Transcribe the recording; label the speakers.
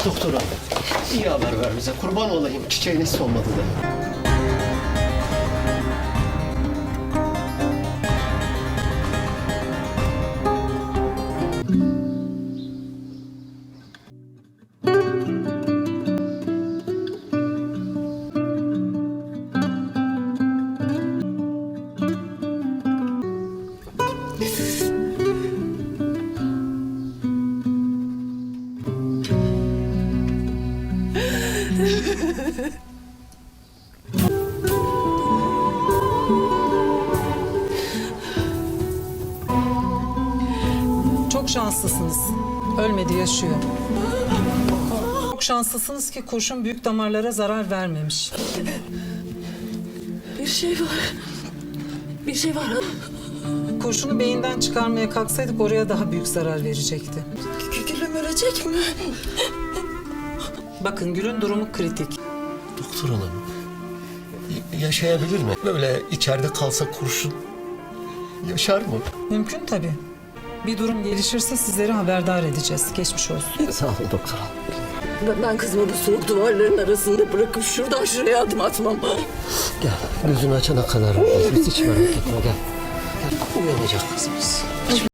Speaker 1: Doktor hanım, iyi haber ver bize. Kurban olayım, çiçeğiniz solmadı da.
Speaker 2: Çok şanslısınız. Ölmedi, yaşıyor. Çok şanslısınız ki kurşun büyük damarlara zarar vermemiş.
Speaker 3: Bir şey var. Bir şey var.
Speaker 2: Kurşunu beyinden çıkarmaya kalksaydık oraya daha büyük zarar verecekti.
Speaker 3: Gülüm ölecek mi?
Speaker 2: Bakın Gül'ün durumu kritik.
Speaker 1: Doktor hanım, yaşayabilir mi? Böyle içeride kalsa kurşun yaşar mı?
Speaker 2: Mümkün tabii. Bir durum gelişirse sizleri haberdar edeceğiz. Geçmiş olsun.
Speaker 1: Sağ olun doktor hanım.
Speaker 3: Ben kızımı bu soğuk duvarların arasında bırakıp şuradan şuraya adım atmam.
Speaker 1: Gel, gözünü açana kadar biz hiç merak etme, gel. Gel, uyanacak kızımız.